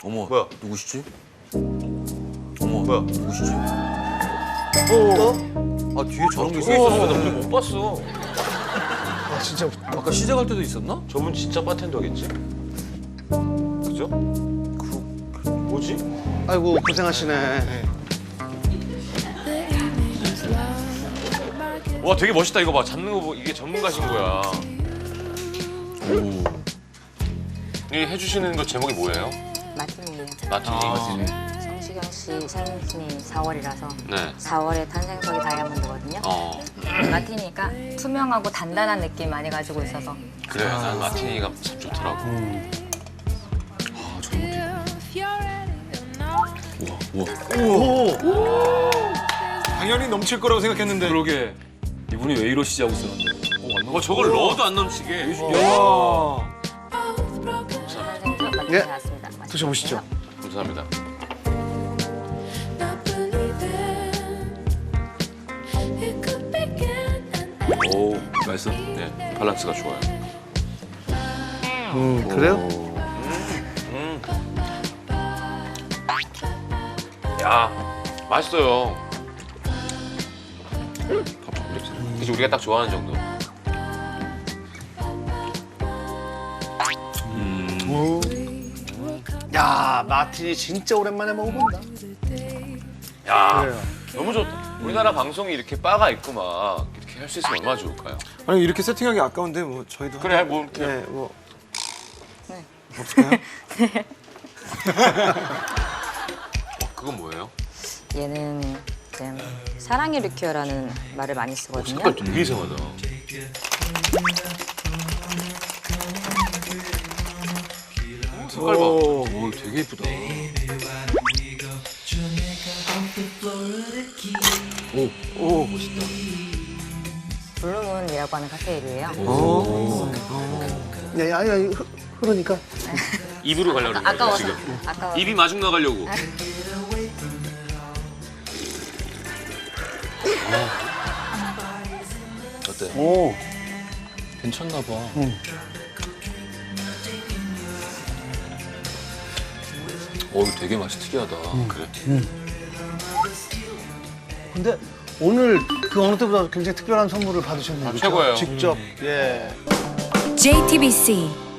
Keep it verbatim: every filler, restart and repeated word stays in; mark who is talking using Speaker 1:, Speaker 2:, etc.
Speaker 1: 어머,
Speaker 2: 뭐야?
Speaker 1: 누구시지? 어머,
Speaker 2: 뭐야?
Speaker 1: 누구시지?
Speaker 2: 어?
Speaker 1: 아, 뒤에 저런 게
Speaker 2: 저게
Speaker 1: 있었어.
Speaker 2: 있었어. 나 오늘 못 봤어.
Speaker 3: 아 진짜
Speaker 1: 아까 시작할 때도 있었나?
Speaker 2: 저분 진짜 바텐더겠지? 그죠? 그, 뭐지?
Speaker 3: 아이고 고생하시네.
Speaker 2: 와 되게 멋있다 이거 봐. 잡는 거 보 이게 전문가신 거야.
Speaker 1: 오.
Speaker 2: 이 해주시는 거 제목이 뭐예요?
Speaker 4: 마틴이에요.
Speaker 2: 마티니.
Speaker 1: 아,
Speaker 4: 성시경 씨 생신이 사월이라서
Speaker 2: 네.
Speaker 4: 사월에 탄생석이 다이아몬드거든요.
Speaker 2: 어
Speaker 4: 마틴이니까 투명하고 단단한 느낌 많이 가지고 있어서
Speaker 2: 그래 난 마티니가 참 좋더라고.
Speaker 1: 아, 저런 것도. 우와, 우와.
Speaker 3: 당연히 넘칠 거라고 생각했는데.
Speaker 1: 그러게. 이분이 왜 이러시지 하고 있었는데. 어, 안
Speaker 2: 어 저걸 넣어도 안 넘치게.
Speaker 3: 야.
Speaker 4: 탄생석 마틴이
Speaker 3: 예.
Speaker 4: 나왔습니다.
Speaker 3: 드셔보시죠.
Speaker 2: 감사합니다.
Speaker 1: 오, 맛있어?
Speaker 2: 네 밸런스가 좋아요.
Speaker 3: 음 그래요?
Speaker 2: 음. 야 맛있어요. 그치 우리가 딱 좋아하는 정도.
Speaker 3: 야 마틴이 진짜 오랜만에 먹어본다.
Speaker 2: 야
Speaker 3: 그래요.
Speaker 2: 너무 좋다. 우리나라 방송이 이렇게 바가 있고 막 이렇게 할 수 있으면 얼마나 좋을까요?
Speaker 5: 아니 이렇게 세팅하기 아까운데 뭐 저희도
Speaker 2: 그래 뭐 이렇게
Speaker 5: 네, 뭐
Speaker 4: 네.
Speaker 5: 없을까요?
Speaker 2: 어, 그건 뭐예요?
Speaker 4: 얘는 지금 사랑의 리큐어라는 말을 많이 쓰거든요.
Speaker 2: 색깔 되게 이상하다. 색깔 봐.
Speaker 1: 오, 되게 예쁘다. 오, 오, 멋있다.
Speaker 4: 블루문이라고 하는 칵테일이에요.
Speaker 3: 야, 야, 야, 흐- 흐르니까.
Speaker 2: 입으로 가려고 그러는 거야
Speaker 4: 아까워서.
Speaker 2: 지금.
Speaker 4: 아까워.
Speaker 2: 입이 마중 나가려고.
Speaker 1: 어때?
Speaker 3: 오.
Speaker 1: 괜찮나 봐. 어, 이거 되게 맛이 특이하다.
Speaker 2: 그래.
Speaker 3: 근데 오늘 그 어느 때보다 굉장히 특별한 선물을 받으셨네요.
Speaker 2: 아,
Speaker 3: 그렇죠?
Speaker 2: 최고예요.
Speaker 3: 직접. 예.
Speaker 6: 제이티비씨